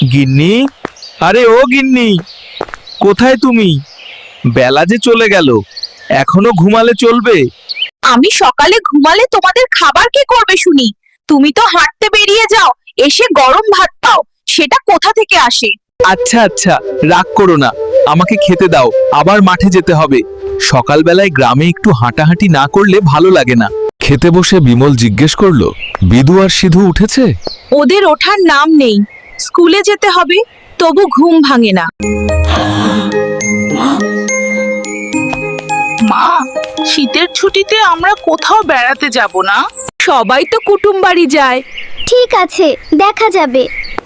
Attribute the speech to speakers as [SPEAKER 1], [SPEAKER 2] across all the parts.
[SPEAKER 1] গিন্নি, আরে ও গিন্নি, কোথায় তুমি? বেলা যে চলে গেল, এখনো ঘুমালে চলবে?
[SPEAKER 2] আমি সকালে ঘুমালে তোমাদের খাবার কে করবে শুনি? তুমি তো হাঁটতে বেরিয়ে যাও, এসে গরম ভাত পাও, সেটা কোথা থেকে আসে?
[SPEAKER 1] আচ্ছা আচ্ছা, রাগ করো না, আমাকে খেতে দাও, আবার মাঠে যেতে হবে। সকালবেলায় গ্রামে একটু হাঁটাহাঁটি না করলে ভালো লাগে না।
[SPEAKER 3] খেতে বসে বিমল জিজ্ঞেস করলো, বিদু আর সিধু উঠেছে?
[SPEAKER 2] ওদের ওঠার নাম নেই। স্কুলে যেতে হবে, তবু ঘুম ভাঙে না।
[SPEAKER 4] মা, শীতের ছুটিতে আমরা কোথাও বেড়াতে যাব না?
[SPEAKER 2] সবাই তো কুটুম বাড়ি যায়।
[SPEAKER 5] ঠিক আছে, দেখা যাবে।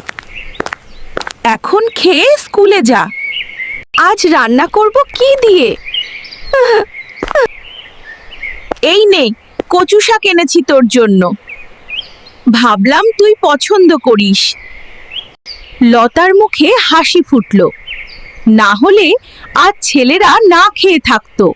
[SPEAKER 2] এখন খেয়ে স্কুলে যা। আজ রান্না করব কি দিয়ে? এই নে, কচু শাক এনেছি তোর জন্য। ভাবলাম তুই পছন্দ করিস। লতার মুখে হাসি ফুটল। না হলে আজ ছেলেরা না খেয়ে থাকতো।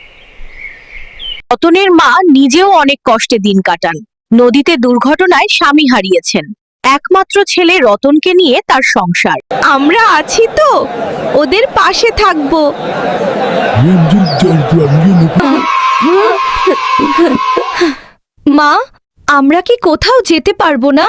[SPEAKER 2] রতনের মা নিজেও অনেক কষ্টে দিন কাটান। নদীতে দুর্ঘটনায় স্বামী হারিয়েছেন। একমাত্র ছেলে রতনকে নিয়ে তার সংসার। আমরা আছি তো, ওদের পাশে থাকবো। মা, আমরা কি কোথাও যেতে পারবো না?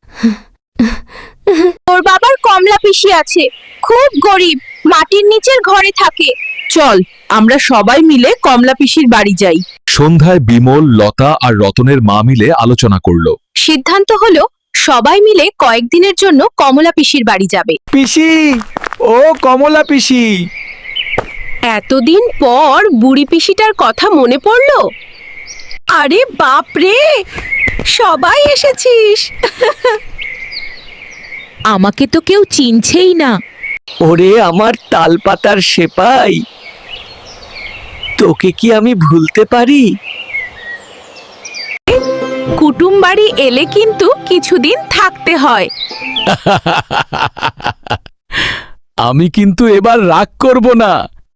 [SPEAKER 2] তোর বাবার কমলা পিসি আছে, খুব গরিব, মাটির নিচের ঘরে থাকে। চল, আমরা সবাই মিলে কমলা পিসির বাড়ি যাই।
[SPEAKER 3] সন্ধ্যায় বিমল, লতা আর রতনের মা মিলে আলোচনা করলো।
[SPEAKER 2] সিদ্ধান্ত হলো সবাই মিলে কয়েকদিনের জন্য কমলা পিসির বাড়ি যাবে।
[SPEAKER 1] পিসি, ও কমলা পিসি।
[SPEAKER 2] এতদিন পর বুড়ি পিসিটার কথা মনে পড়লো। আরে বাপ রে, সবাই এসেছিস। আমাকে তো কেউ চিনছেই না।
[SPEAKER 6] ওরে আমার তালপাতার সেপাই, তোকে কি আমি ভুলতে পারি?
[SPEAKER 2] কুটুম বাড়ি এলে কিন্তু কিছুদিন থাকতে হয়।
[SPEAKER 3] আমি কিন্তু এবার রাগ করব না।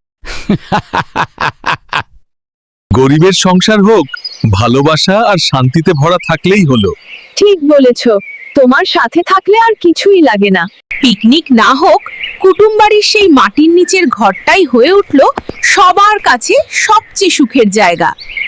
[SPEAKER 1] গরিবের সংসার হোক, ভালোবাসা আর শান্তিতে ভরা থাকলেই হলো।
[SPEAKER 2] ঠিক বলেছ, তোমার সাথে থাকলে আর কিছুই লাগে না। পিকনিক না হোক, কুটুম বাড়ির সেই মাটির নিচের ঘরটাই হয়ে উঠল সবার কাছে সবচেয়ে সুখের জায়গা।